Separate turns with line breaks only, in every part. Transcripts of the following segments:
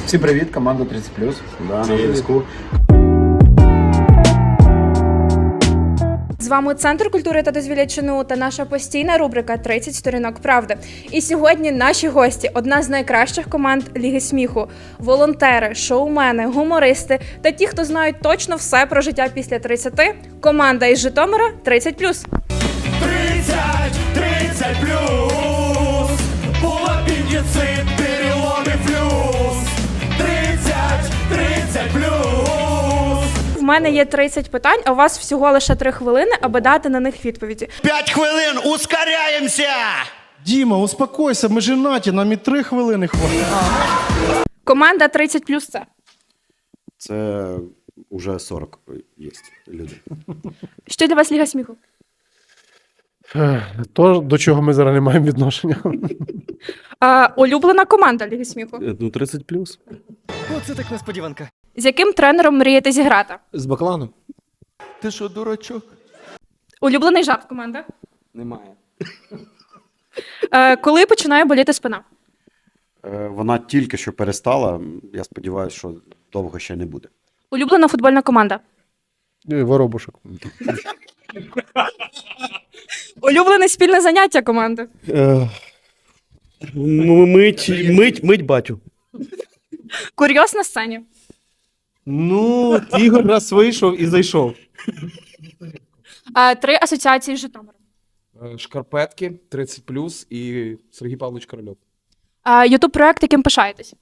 Всім привіт, команда 30+. Да, на зв'язку.
З вами Центр культури та дозвілля ЧНУ та наша постійна рубрика «30 сторінок правди». І сьогодні наші гості – одна з найкращих команд Ліги сміху. Волонтери, шоумени, гумористи та ті, хто знають точно все про життя після 30. Команда із Житомира «30+».
30 плюс, был аппендицит, перелом и флюс. 30 плюс.
В мене є 30 питань, а у вас всього лише 3 хвилини, аби дати на них відповіді.
5 хвилин, ускоряемся!
Діма, успокойся, ми женаті, нам і 3 хвилини хватить.
Команда 30+, це?
Це вже 40 є люди.
Що для вас Ліга сміху?
То, до чого ми зараз не маємо відношення.
Улюблена команда Ліги сміху?
Ну, 30+.
Оце так несподіванка.
З яким тренером мрієте зіграти?
З Бакланом?
Ти що, дурачок?
Улюблений жарт команда?
Немає.
Коли починає боліти спина?
Вона тільки що перестала. Я сподіваюся, що довго ще не буде.
Улюблена футбольна команда?
Воробушок.
Улюблене спільне заняття команди?
Мить батю.
Курйоз на сцені?
Ну, Ігор раз вийшов і зайшов.
3 асоціації з Житомиром?
Шкарпетки, 30+, і Сергій Павлович Корольов.
Ютуб-проект, яким пишаєтесь?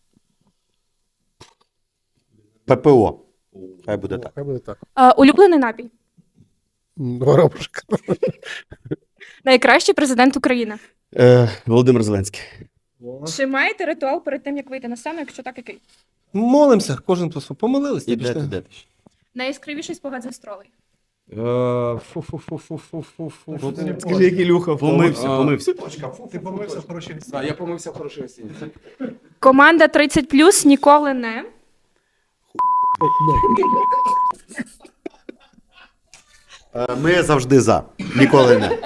ППО. Хай буде так.
Хай буде так.
Улюблений напій?
Воробушок.
Найкращий президент України?
Володимир Зеленський.
Чи маєте ритуал перед тим, як вийти на сцену, якщо так, який?
Молимося, кожен помолились. та пішли.
Де ти?
Найяскравіший спогад з гастролей?
Фу-фу-фу-фу-фу-фу. Скажи, як Ілюха.
Помився.
Ти помився в хорошій місці.
Так, я помився в хорошій гостиниці.
Команда 30+, ніколи не...
Ми завжди за. Ніколи не.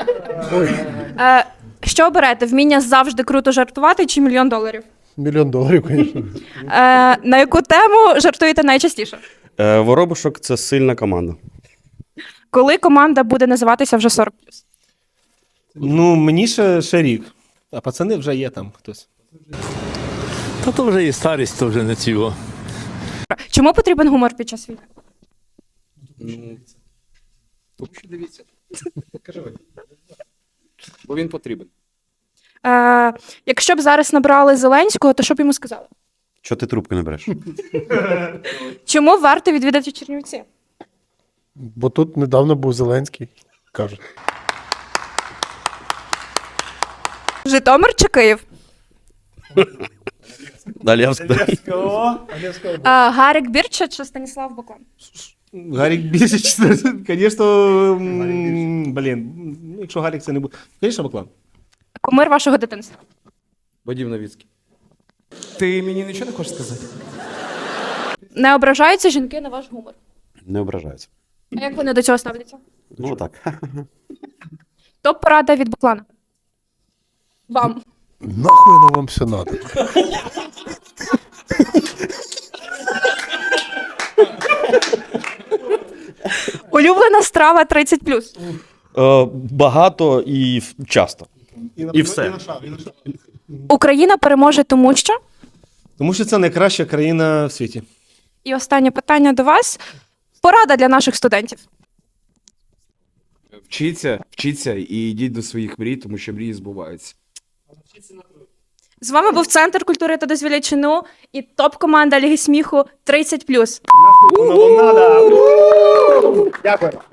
Що оберете? Вміння завжди круто жартувати чи $1 мільйон?
$1 мільйон, звісно.
На яку тему жартуєте найчастіше?
Воробушок – це сильна команда.
Коли команда буде називатися вже 40+?
Ну, мені ще рік. А пацани вже є там хтось.
Та то вже і старість, то вже не цього.
Чому потрібен гумор під час війни?
Тому що дивіться. Кажи ви. Бо він потрібен.
Якщо б зараз набрали Зеленського, то що б йому сказали?
Чого ти трубку не береш?
Чому варто відвідати Чернівці?
Бо тут недавно був Зеленський, кажуть.
Житомир чи Київ?
Далі
Гарик Бірча чи Станіслав Баклан?
Гарік більше, звісно, якщо Гарік це не буде. Звісно, Баклан.
Кумир вашого дитинства?
Вадим Новіцький. Ти мені нічого не хочеш сказати?
Не ображаються жінки на ваш гумор?
Не ображаються.
А як вони до цього ставляться?
Ну так.
Топ-порада від Баклана? Вам.
Нахуй воно вам все надо.
Улюблена страва 30+?
Багато і часто. І все.
Україна переможе тому що?
Тому що це найкраща країна в світі.
І останнє питання до вас. Порада для наших студентів.
Вчіться і йдіть до своїх мрій, тому що мрії збуваються.
З вами був Центр культури та дозвілля ЧНУ і топ-команда Ліги сміху 30+.
Воно вам надо. Дякую.